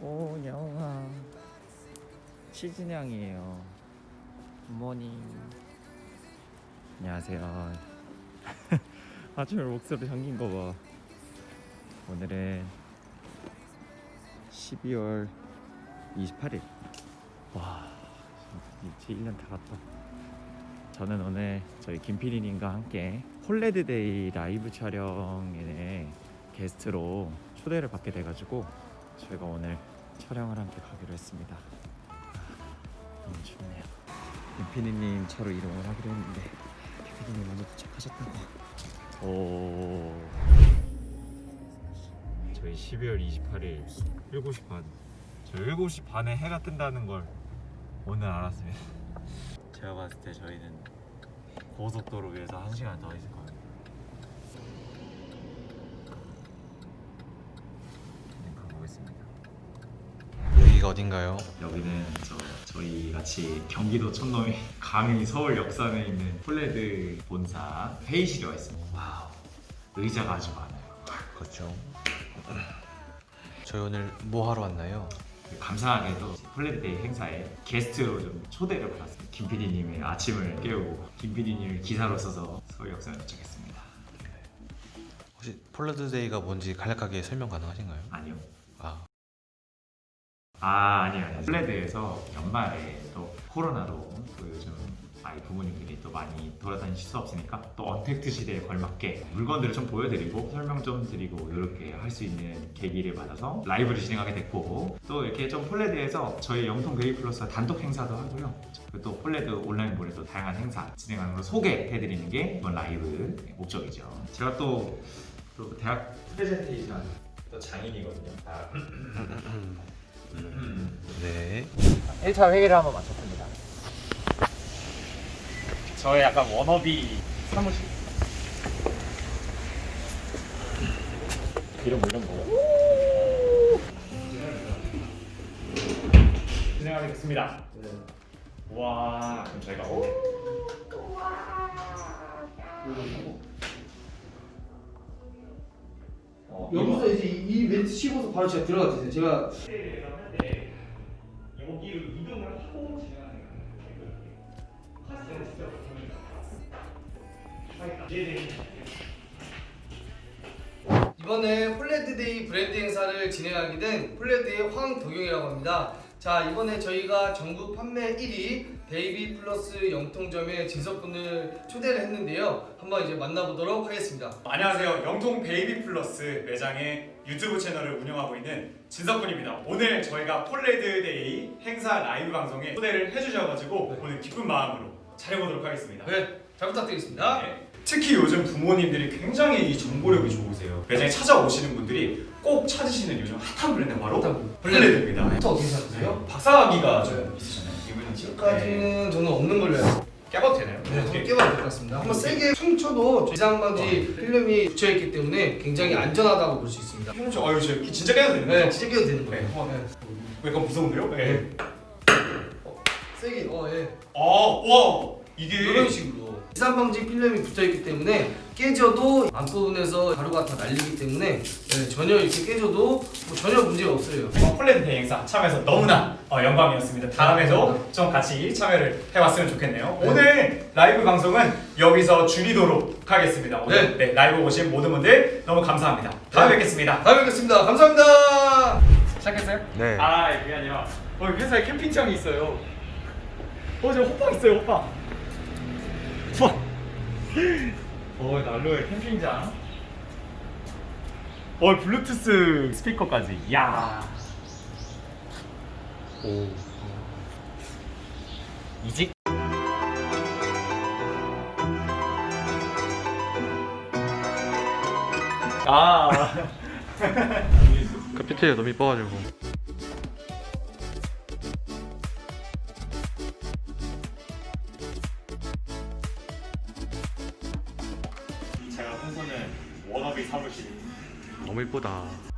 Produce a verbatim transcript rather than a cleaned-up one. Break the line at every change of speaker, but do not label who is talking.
오, 영아. 치즈냥이에요. 굿모닝. 안녕하세요. 아침에 목소리 잠긴 거 봐. 오늘은 십이월 이십팔일. 와, 이제 일 년 다 갔다. 저는 오늘 저희 김피디님과 함께 폴레드데이 라이브 촬영에 게스트로 초대를 받게 돼가지고 저희가 오늘 촬영을 함께 가기로 했습니다. 너무 춥네요. 김피디님 차로 이동을 하기로 했는데 김피디님 먼저 도착하셨다고. 오, 저희 십이월 이십팔일 일곱 시 반. 저 일곱 시 반에 해가 뜬다는 걸 오늘 알았습니다. 제가 봤을 때 저희는 고속도로 위에서 한 시간 더 있을 거예요. 그냥 가보겠습니다.
여기가 어딘가요?
여기는 저, 저희 같이 경기도 촌놈이 감히 서울 역삼에 있는 폴레드 본사 회의실에 와 있습니다. 와우, 의자가 아주 많아요.
그렇죠. 저희 오늘 뭐 하러 왔나요?
감사하게도 폴레드데이 행사에 게스트로 좀 초대를 받았습니다. 김피디님의 아침을 깨우고 김피디님을 기사로 써서 서울 역삼에 도착했습니다.
혹시 폴라드데이가 뭔지 간략하게 설명 가능하신가요?
아니요.
아,
아 아니요 아니요. 폴레드에서 연말에 또 코로나로 또 요즘 아이 부모님들이 또 많이 돌아다니실 수 없으니까 또 언택트 시대에 걸맞게 물건들을 좀 보여드리고 설명 좀 드리고 이렇게 할 수 있는 계기를 받아서 라이브를 진행하게 됐고, 또 이렇게 좀 폴레드에서 저희 영통 베이비 플러스 단독 행사도 하고요. 그리고 또 폴레드 온라인몰에도 다양한 행사 진행하는 걸 소개해드리는 게 이번 라이브 목적이죠. 제가 또, 또 대학 프레젠테이션 또 장인이거든요. 아.
네.
일 차 회의를 한번 마쳤습니다. 저의 약간 워너비 사무실. 이런 거 이런 거. 진행하겠습니다. 네. 와, 그럼 저희가 오. 어,
여기서 이제 이 멘트 치고서 바로 제가 들어가 주세요. 제가
여기로 이동을 하고 진행하는 거예요.
이번에 폴레드데이 브랜드 행사를 진행하게 된 폴레드의 황덕용이라고 합니다. 자, 이번에 저희가 전국 판매 일 위 베이비 플러스 영통점의 진석분을 초대를 했는데요. 한번 이제 만나보도록 하겠습니다.
안녕하세요. 영통 베이비 플러스 매장의 유튜브 채널을 운영하고 있는 진석군입니다. 오늘 저희가 폴레드데이 행사 라이브 방송에 초대를 해주셔가지고 네. 오늘 기쁜 마음으로 촬영하도록 하겠습니다.
네, 잘 부탁드리겠습니다.
네. 특히 요즘 부모님들이 굉장히 이 정보력이 좋으세요. 매장에 찾아오시는 분들이 꼭 찾으시는 요즘 핫한 브랜드 바로 폴레드입니다.
부터 어떻게 생각하세요?
박사학위가 좀 있으셨나요? 이분은
지금까지는 저는 없는 걸로 해요.
깨봐도 되나요?
네, 한번 깨봐도 될 것 같습니다. 한번 세게 춤춰도 이상방지 필름이 붙여있기 때문에 굉장히 안전하다고 볼 수 있습니다.
춤춰. 아유, 저 진짜 깨도 되는 거죠?
네, 진짜 깨도 되는 거예요.
네.
어, 네.
왜 약간 무서운데요? 네.
어, 세게, 어, 예.
아, 와, 이게
이런 식으로 이산방지 필름이 붙어있기 때문에 깨져도 앞부분에서 가루가 다 날리기 때문에 네, 전혀 이렇게 깨져도 뭐 전혀 문제가 없어요.
폴레드 대행 행사 참여해서 너무나 어, 영광이었습니다. 다음에도 좀 같이 참여를 해봤으면 좋겠네요.
네.
오늘 라이브 방송은 여기서 줄이도록 하겠습니다. 오늘 네. 네, 라이브 오신 모든 분들 너무 감사합니다. 다음에
네.
뵙겠습니다.
다음에 뵙겠습니다. 감사합니다.
시작했어요?
네.
아, 그게 아니라 어, 회사에 캠핑장이 있어요. 어, 저 호빵 있어요, 호빵. 호빵. 어, 난로에 캠핑장. 어, 블루투스 스피커까지. 야.
오.
이직. 아.
그 피트가 너무 이뻐가지고.
제가 풍선은 워너비 사무실.
너무 이쁘다.